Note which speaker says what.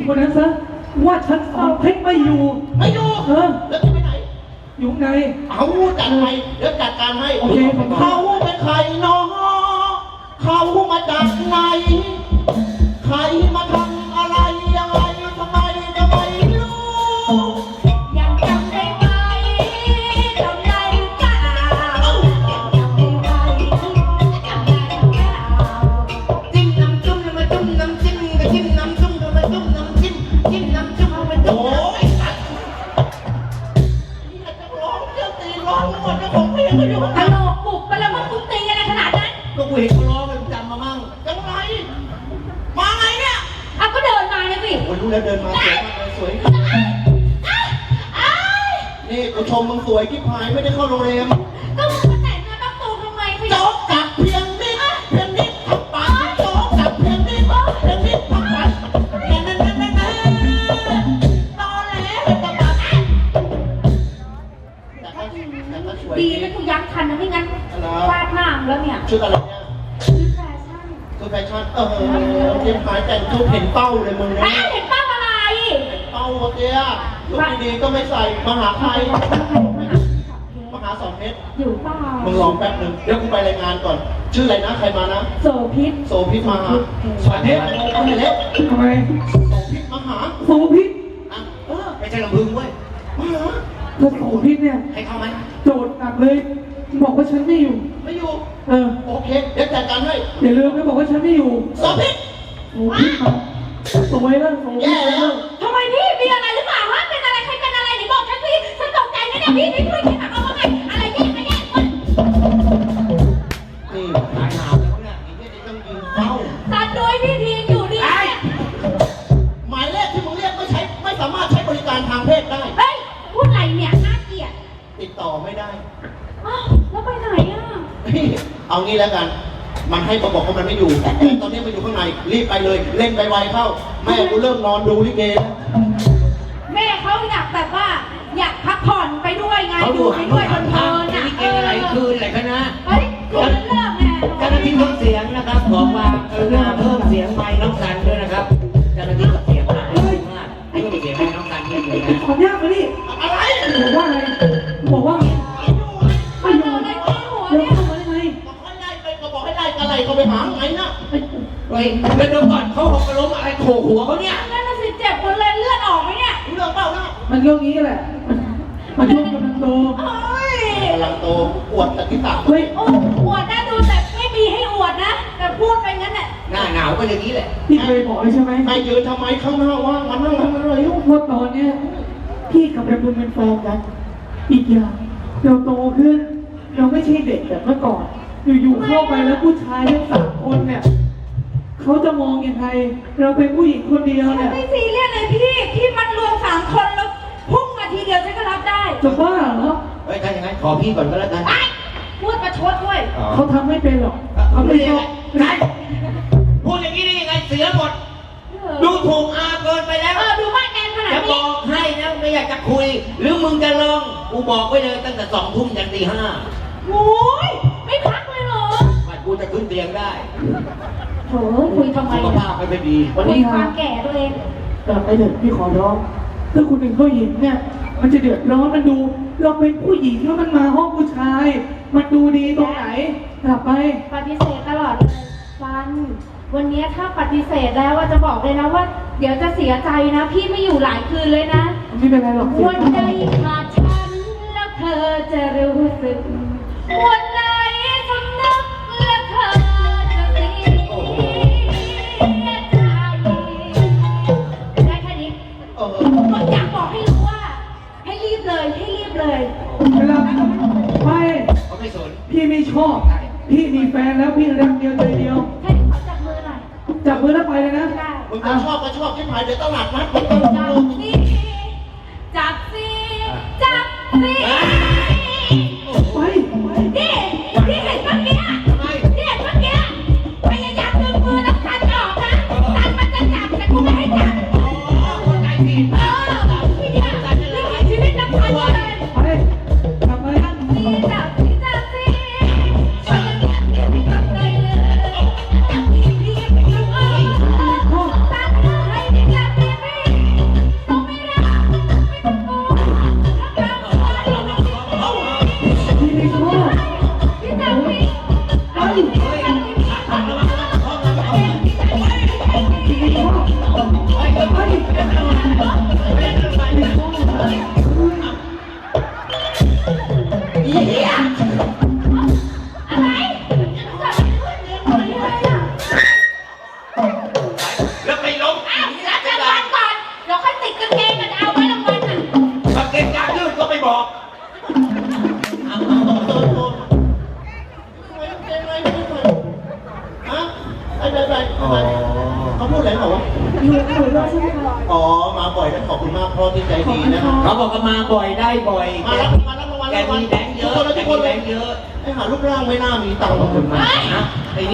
Speaker 1: คนนั้นซะว่าฉันสอนเพชรไม่อยู่
Speaker 2: ไม่อยู่แล้วจะไปไหน
Speaker 1: อยู่ไง
Speaker 2: เอาจัดไปเดี๋ยวจัดการให้
Speaker 1: โอเค
Speaker 2: เขาเป็นใครน้องเขามาจากไหนใครมาทำอะไรยังไงทำไมจะไม่รู้
Speaker 3: ยังจำได้ไหมจำได้หรือเปล่าจำได้ไหมจำได้หรือเปล่า
Speaker 2: จิ้มน้ำจุ่มแล้วมาจุ่มน้ำจิ้มก็จิ้มน้ำจุ่มแล้วมาจุ่มน้ำจิ้มจิ้มน้ำจุ่มแล้วมาจุ่มโอ้ยนี่จะร้องเจ้าตีร้องหมดเจ้าของเพลงก็อยู่
Speaker 3: ตลกปลุกไปแล้วว่าตุ้งตีอะไรขนาดนั้น
Speaker 2: ก็กูเห็นเขาร้องเลยจำมามั่งจังไรมาไงเนี่ย
Speaker 3: เอาก็เดินมาเลยสิ
Speaker 2: โอ้ยรู้แล้วเดินมาสวยมากเลยสวยนี่กูชมมึงสวยกิ๊บหายไม่ได้เข้าโรงแรม
Speaker 3: ก็มึงมาแต่งงานต้องตูทำไม
Speaker 2: โจ๊กจับเพียงนิดเพียงนิดทับปากโจ๊กจับเพียงนิดเพียงนิดทับปากนั่นตอแหลเป็นตะบัด
Speaker 3: ดีนะกูยักทันนะไม่งั้นฟาดหน้าแล้วเนี่ย
Speaker 2: ชุดอะไรเนี่ยชุดแฟชั่นเตรียมขายแต่งชุดเห็นเป้าเลยมึงนะ
Speaker 3: เห็นเป้าอะไร
Speaker 2: เห็นเป้าเตี้ยชุดดีๆก็ไม่ใส่มหาใครมหาสองเม็ด
Speaker 3: อยู่เปล่า
Speaker 2: มึงลองแป๊บนึงเดี๋ยวกูไปรายงานก่อนชื่ออะไรนะใครมานะ
Speaker 3: โสภิต
Speaker 2: มาสวัสดีเอาไหนเล็ก
Speaker 1: ทำไม
Speaker 2: โสภิตมาหา
Speaker 1: โสภิต
Speaker 2: ไม่ใช่ลำพึงเว้ยมาหา
Speaker 1: ถ้าโสภิตเนี่ย
Speaker 2: ให้เข้าไหม
Speaker 1: โจทย์หนักเลยบอกว่าฉันไม่อยู่โอ
Speaker 2: เคเดี๋ยวจัดการให้
Speaker 1: อย่าลืมนะบอกว่าฉันไม่อยู่
Speaker 2: โสภิต
Speaker 1: มาสวยแล้ว
Speaker 2: แย่แล้ว
Speaker 3: ทำไมพี่มีอะไรหรือเปล่าฮะเป็นอะไรใครเป็นอะไรไหนบอกฉันสิฉันตกใจนะเนี่ยพี่ช่วยคิดหน่อยว่าไงอะไรแย่ไม่แย่คน
Speaker 2: นี่ตายหาแล้วเนี่ยอีกนิดต้องยิงเป้า
Speaker 3: ตัดโดยพี่ทีอยู่ดี
Speaker 2: หมายเลขที่มึงเรียกไม่สามารถใช้บริการทางเพศได้
Speaker 3: เฮ้ยพูดอะไรเนี่ยน่าเกลียด
Speaker 2: ติดต่อไม่ได้
Speaker 3: แล้วไปไหนอ่ะ
Speaker 2: เอางี้แล้วกันมันให้บอกว่ามันไม่อยู่แต่ตอนนี้มันอยู่ข้างในรีบไปเลยเล่นไวๆเข้าแม่กูเริ่มนอนดูลิเกแล้ว
Speaker 3: แม่เขาอยากแบบว่าอยากพักผ่อนไปด้วยไงดูไปด้วยเพลินๆ
Speaker 4: ลิเกอะไรคืนอะไรกันนะ
Speaker 3: เฮ้ยคืนเลิกไง
Speaker 4: เจ้าหน้าที่เพิ่มเสียงนะครับขอความกรุณาเพิ่มเสียงไมค์น้องสันด้วยนะครับเจ้าหน้าที่เสียงมากเพิ่มเสียงไมค์น้องสันด้วยนะ
Speaker 1: ขอยากมาดิ
Speaker 2: อะไร
Speaker 1: บอกว่าอะไรบอกว่าไม่อยู่เดี๋ยวเข้ามาได้ไง
Speaker 2: บอกให้ไล่อะไรเขาไปหาไงนะ
Speaker 4: เฮ้ยแล้วเดี๋ยวก่อนเขาหกล้มอะไรโขกหัวเขาเนี่ย
Speaker 3: นั่นน่ะสิเจ็บหมดเลยเลือดออกไหมเนี่ย
Speaker 2: เรื่องเปล่านะ
Speaker 1: มันเรื่องนี้แหละมันช่วงกำลังโต
Speaker 2: กำลังโตอวดแต่ที่ต่าง
Speaker 1: เฮ้ย
Speaker 3: อวดนะดูแต่ไม่มีให้อวดนะแต่พูดไปงั้นแหละ
Speaker 4: หน้าหนาวก็อย่างนี้แหละ
Speaker 1: พี่เคยบอกใช่ไหม
Speaker 2: ไม่ยืนทำไมข้างหน้าว่างมันนั่งทำอะไร
Speaker 1: ว่าตอนเนี้ยพี่กับระบุเป็นแฟนกันอีกอย่างเราโตขึ้นเราไม่ใช่เด็กแบบเมื่อก่อนอยู่ๆเข้าไปแล้วผู้ชายทั้ง3 คนเนี่ยเขาจะมองยังไงเราเป็นผู้หญิงคนเดียวเนี่ย
Speaker 3: ไม่ซีเรียสเลยพี่มันรวม3 คนแล้วพุ่งมาทีเดียวฉันก็รับได้
Speaker 1: จะบ้าเหรอ
Speaker 4: เฮ้ยถ้าอย่างนั้นขอพี่ก่อนก็แล้วกัน
Speaker 3: พูดประชดด้วย
Speaker 1: เขาทำไม่เป็นหรอกเขาไม่ชอบ
Speaker 4: พูดอย่างนี้ได้ยังไงเสียหมดดูถูกอาเกินไปแล้ว
Speaker 3: ดูมากแกนขนาดนี้
Speaker 4: จะบอกให้นะไม่อยากจะคุยหรือมึงจะลองกูบอกไว้เลยตั้งแต่2 ทุ่มยันตี 5
Speaker 3: โอ้ยไม่พักเลยเหรอ
Speaker 4: ไม่กูจะขึ้นเตียงได้
Speaker 3: โถ่คุยทำไม
Speaker 4: สุขภาพไม่ดี
Speaker 3: วันนี้ความแก่ตัวเอง
Speaker 1: กลับไปเถอะพี่ขอร้องถ้าคุณเป็นผู้หญิงเนี่ยมันจะเดือดร้อนมันดูเราเป็นผู้หญิงแล้วมันมาห้องผู้ชายมันดูดีตรงไหนกลับไป
Speaker 3: ปฏิเสธตลอดเลยฟันวันนี้ถ้าปฏิเสธแล้วว่าจะบอกเลยนะว่าเดี๋ยวจะเสียใจนะพี่ไม่อยู่หลายคืนเลยนะ
Speaker 1: ไม่เป็นไรหรอก
Speaker 3: วันใดขาดฉันแล้วเธอจะรู้สึกวันไหนสำนึกแล้วเธอจะเสียใจได้แค่นี้ก็อยากบอกให้รู้ว่าให้รีบเลย
Speaker 1: เวลาไม่สนพี่ไม่ชอบพี่มีแฟนแล้วพี่รักเดียวใจเดียว
Speaker 3: ให้ขอจับมือหน่อย
Speaker 1: จับมือแล้วไปเลยนะ
Speaker 2: มึงจะชอบก็ชอบที่หายเดี๋ยวตลาดนัด
Speaker 3: จับสิจับสิ
Speaker 1: ไป
Speaker 3: นี่เห็นเมื่อกี้พยายามดึงมือแล้วตันออกนะตันมันจะจับแต่กูไม่ให้จับ
Speaker 4: คนใจผิด
Speaker 3: พี่เนี่ยนี่ชีวิตนักพันเลย
Speaker 1: ไปจับไป
Speaker 3: จับสิจับสิจับเลยจับพี่พี่พี่ตันให้ดิจับพี่
Speaker 2: ไปเขาพูดอะไรเหรอวะ
Speaker 3: อยู่ด้วยใช่ไหมคะ
Speaker 2: อ๋อมาบ่อยนะขอบคุณมากพ่อที่ใจดีนะครับ
Speaker 4: เขาบอกว่ามาบ่อยได้บ่อย
Speaker 2: มารับรางวัล
Speaker 4: แกมีแบงค์เยอะ
Speaker 2: ทุกคนเลย
Speaker 4: แบงค์เยอะ
Speaker 2: ไอ้หารูปร่างไม่น่ามีตังค์
Speaker 4: ขอบคุณมากนะ